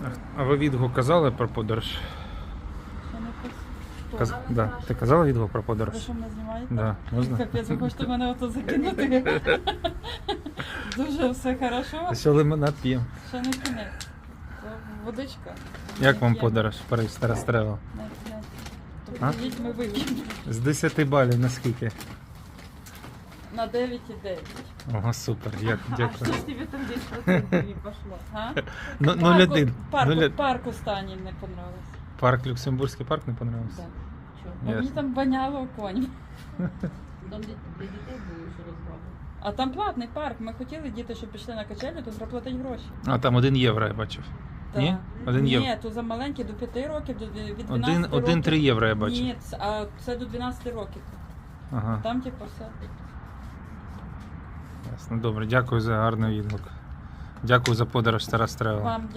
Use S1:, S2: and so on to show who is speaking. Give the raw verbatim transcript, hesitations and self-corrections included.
S1: А ви відгук казали про подорож?
S2: Що не пос-
S1: Каз...
S2: Що?
S1: Да. Ти казала відгук про
S2: Ви
S1: подорож?
S2: що мене знімаєте?
S1: Да. Можна?
S2: Капець, ви хочете мене ото закинути? Дуже все хорошо.
S1: Що лимонад п'ємо.
S2: Ще не кінець. Це водичка.
S1: Як вам
S2: П'ємо.
S1: подорож в Париж Старострела?
S2: На п'ять. То
S1: А?
S2: приїдь, ми вип'ємо.
S1: З десяти балів на скільки?
S2: На дев'ять і дев'ять.
S1: Ого, супер, дя-
S3: А что
S1: дякую.
S3: ж тебе там десять процентов не пошло?
S2: А?
S1: Ну, нуль один.
S2: Парк,
S1: Нуль-
S2: парк останній не понравився.
S1: Парк, Люксембурзький парк не понравився?
S2: Да.
S3: Чё?
S2: Ну, мені
S1: Ясно.
S2: там воняло конь.
S3: Там для, для детей было еще развал.
S2: А там платний парк. Ми хотіли діти, щоб пішли на качелю, то треба платити гроші.
S1: А там один євро я бачив.
S2: Да.
S1: Ні? Один євро.
S2: Ні, то за маленькі до п'яти років, до від дванадцяти
S1: Один,
S2: років.
S1: один три євро я бачив.
S2: Ні, це- а це до дванадцяти років.
S1: Ага,
S2: Там типу все.
S1: ясно. Добре, дякую за гарний відгук. Дякую за подорож Старострела.
S2: Вам